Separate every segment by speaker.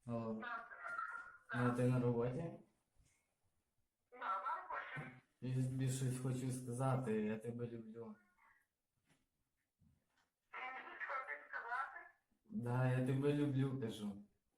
Speaker 1: Алло. Ну, ти на роботі? Я тобі щось хочу сказати, я тебе люблю. Да, я тебе люблю, кажу.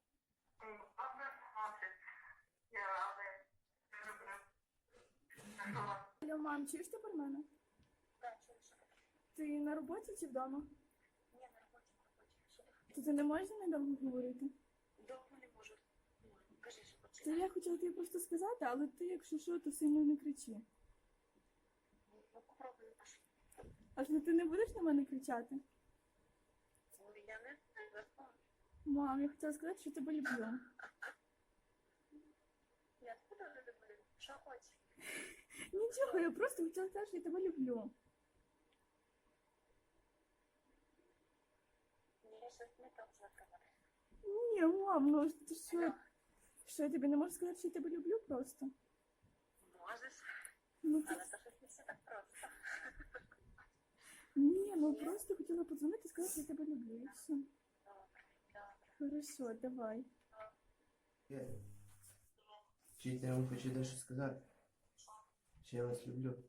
Speaker 2: Алло, мам, чуєш тепер мене?
Speaker 3: Так, чую, що таке?
Speaker 2: Ти на роботі чи вдома?
Speaker 3: Ні, на роботі.
Speaker 2: То ти не можеш недовго говорити?
Speaker 3: Довго не можу. Кажи, що
Speaker 2: Та
Speaker 3: починає.
Speaker 2: я хотіла тобі просто сказати, але ти, якщо що, то сильно не кричи.
Speaker 3: Ну, попробуй наш.
Speaker 2: А що ти не будеш на мене кричати?
Speaker 3: Ну, я не знаю.
Speaker 2: Мам, я хотіла сказати, що тебе люблю.
Speaker 3: Я тебе не люблю. Що хочеш?
Speaker 2: Нічого, я просто хотіла сказати, що я тебе люблю.
Speaker 3: Ні, щось не так заказати.
Speaker 2: Ні, мам, ну ти що? Що я тобі не можу сказати, що я тебе люблю просто?
Speaker 3: Можеш,
Speaker 2: Ну,
Speaker 3: але це щось не все так просто.
Speaker 2: ні, ну просто хотіла подзвонити і сказати, що я тебе люблю. І все.
Speaker 3: Добре, добре.
Speaker 2: Хорошо, давай.
Speaker 4: Вчитель, я вам хочу дещо сказати. Що я вас люблю.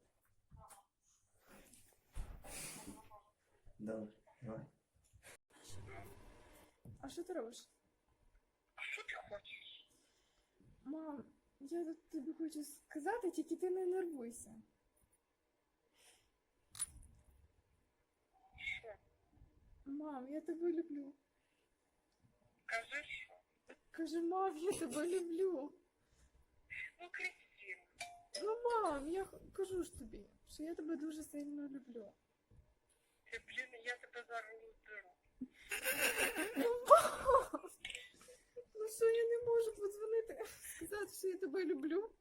Speaker 4: Добре, давай.
Speaker 2: А що ти робиш?
Speaker 3: Що ти хочеш?
Speaker 2: Мам, я тут тобі хочу сказати, тільки ти не нервуйся.
Speaker 3: Що?
Speaker 2: Мам, я тебе люблю.
Speaker 3: Кажи, що?
Speaker 2: Кажи, мам, я тебе люблю.
Speaker 3: Ну, Кристина.
Speaker 2: Ну, мам, я кажу ж тобі, що я тебе дуже сильно люблю.
Speaker 3: Ти, блін, я тебе зараз розберу.
Speaker 2: Ну, мам! Ну що, я не можу подзвонити, сказати, що я тебе люблю?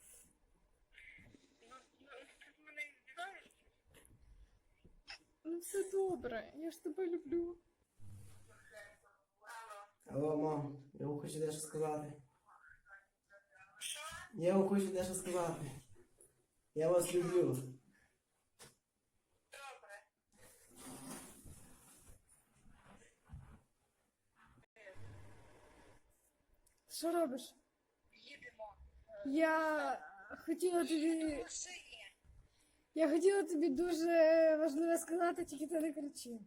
Speaker 3: Ну, ти з мене здіваєшся?
Speaker 2: Ну, все добре, я ж тебе люблю.
Speaker 4: Алло, мам, я вам хочу дещо сказати. Я вам хочу дещо сказати. Я вас люблю.
Speaker 3: Добре.
Speaker 2: Що робиш?
Speaker 3: Їдемо.
Speaker 2: Я хотіла тобі...
Speaker 3: Машині.
Speaker 2: Я хотіла тобі дуже важливо сказати, тільки ти не кричи.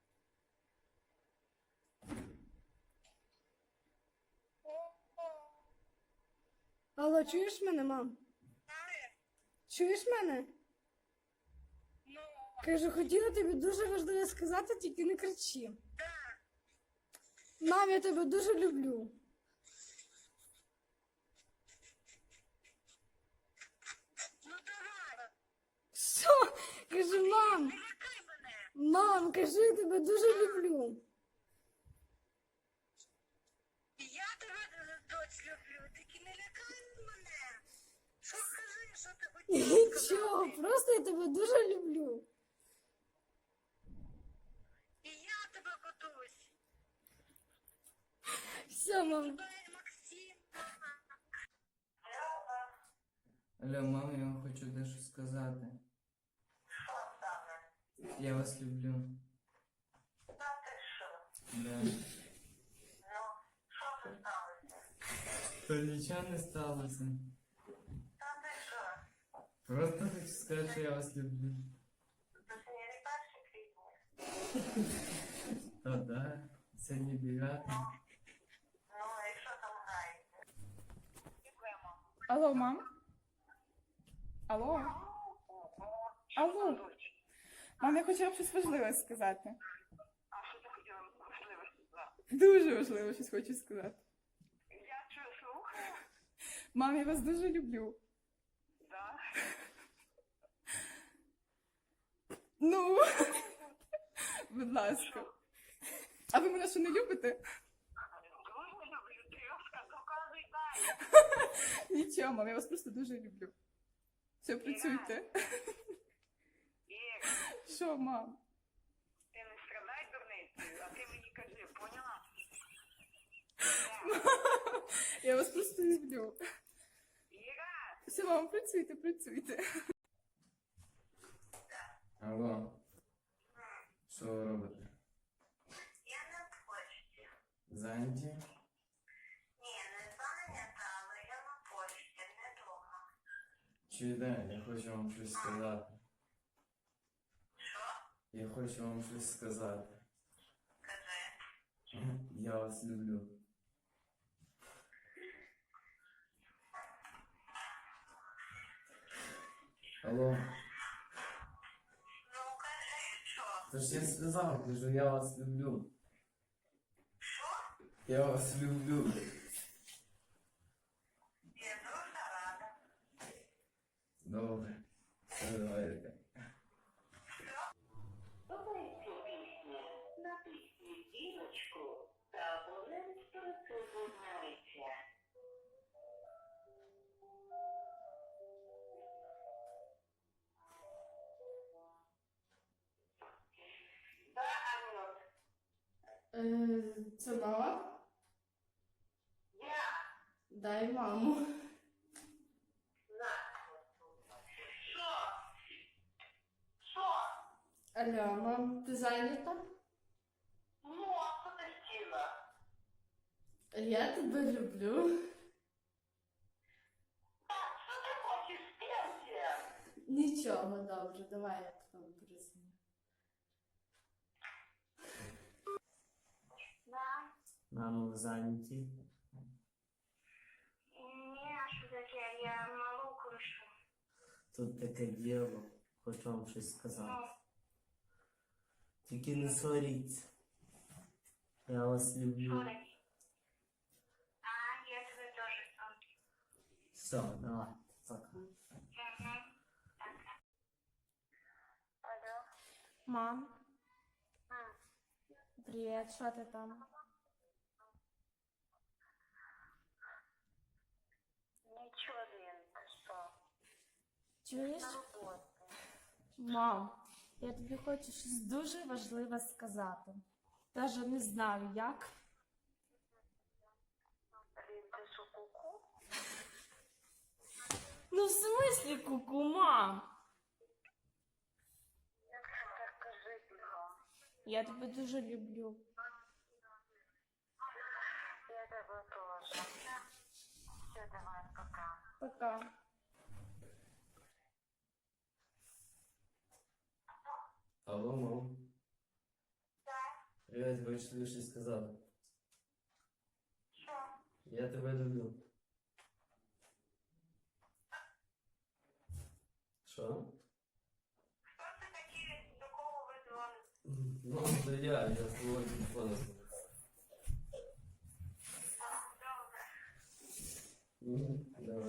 Speaker 2: Алло, чуєш мене, мам? Чуєш мене?
Speaker 3: Ну,
Speaker 2: Кажу, хотіла тобі дуже важливо сказати, тільки не кричи.
Speaker 3: так.
Speaker 2: Мам, я тебе дуже люблю.
Speaker 3: Ну, давай.
Speaker 2: Що? Кажу, мам,
Speaker 3: Не лякай мене.
Speaker 2: мам, кажу, я тебе дуже люблю.
Speaker 3: Я тебе, доць, люблю. Тільки не лякай мене. Що скажи, що ти хотіла
Speaker 2: Нічого, просто я тебе дуже люблю.
Speaker 3: І я тебе готуюсь.
Speaker 2: Все, мам.
Speaker 3: Тебе, Максим.
Speaker 1: Алло, мама, я вам хочу дещо сказати. Я вас люблю.
Speaker 3: Та ти що?
Speaker 1: Да.
Speaker 3: Ну, що це сталося?
Speaker 1: То нічого не сталося.
Speaker 3: Та ти що?
Speaker 1: Просто хочу сказати, що я вас люблю.
Speaker 3: Це сьогодні не 1 квітня.
Speaker 1: Та да, сьогодні 9.
Speaker 3: Ну, і що там грається? Дякуємо.
Speaker 2: Алло, мам? Алло? Алло? Мам, я хотіла б щось важливе сказати.
Speaker 3: А що ти хотіла можливо сказати?
Speaker 2: Дуже важливо щось хочу сказати.
Speaker 3: Я чую, слухаю.
Speaker 2: Мам, я вас дуже люблю.
Speaker 3: Да.
Speaker 2: Ну, будь ласка. А ви мене що не любите?
Speaker 3: Дуже люблю. Трьошка, доказуй далі.
Speaker 2: Нічого, мам, я вас просто дуже люблю. Все, працюйте.
Speaker 3: Ір,
Speaker 2: Що, мам?
Speaker 3: ти не страдай дурницею, а ти мені кажи, поняла?
Speaker 2: Я вас просто люблю.
Speaker 3: Іра!
Speaker 2: Все, мам, працюйте, працюйте.
Speaker 1: Алло. Що ви робите?
Speaker 3: Я на почті.
Speaker 1: Зайняті? Чуєте, я хочу вам щось сказати. Я хочу вам щось сказати. Я вас люблю. Алло.
Speaker 3: Ну, кажи, що?
Speaker 1: Та ж я сказав, кажу, я вас люблю.
Speaker 3: Що?
Speaker 1: Я вас люблю.
Speaker 3: Я дуже рада.
Speaker 1: Добре. Все, давайте.
Speaker 3: Слухайте пісню, натисніть дірочку та абонент присоединяється. Да, Анют,
Speaker 2: Це мама?
Speaker 3: я
Speaker 2: Дай маму.
Speaker 3: на. Що? Що?
Speaker 2: Алло, мам, ти зайнята?
Speaker 3: Ну, а що ти хотіла?
Speaker 2: Я тебе люблю.
Speaker 3: Так, що ти хочеш пенсія?
Speaker 2: Нічого, добре, давай я потім перезвоню.
Speaker 3: Да.
Speaker 1: Мамо, ви зайняті?
Speaker 3: Ні, що таке, я малу кручу.
Speaker 1: Тут таке діло. Хочу вам щось сказати.
Speaker 3: Ну,
Speaker 1: Тільки не сваріться. Я вас люблю.
Speaker 3: sorry. А, я тебе теж люблю.
Speaker 1: Все, давай. Пока.
Speaker 3: Угу. Алло.
Speaker 2: Мам,
Speaker 3: М.
Speaker 2: привіт, що ти там?
Speaker 3: Нічого, Лін, ти що?
Speaker 2: Чуєш?
Speaker 3: На роботі.
Speaker 2: Мам, я тобі хочу щось дуже важливе сказати. Даже не знаю як.
Speaker 3: Лін, ти що, ку-ку?
Speaker 2: Ну в смислі куку, мам?
Speaker 3: Як це так кажи, бігом?
Speaker 2: Я тебе дуже люблю.
Speaker 3: Я тебе теж. Все, давай, пока.
Speaker 2: Пока.
Speaker 1: Алло, мам.
Speaker 3: Так,
Speaker 1: Привіт, хочу тобі щось сказати.
Speaker 3: що?
Speaker 1: Я тебе люблю. Що?
Speaker 3: Хто це такі, до кого ви дзвоните?
Speaker 1: Ну, це я з твого телефону.
Speaker 3: Добре.
Speaker 1: Давай.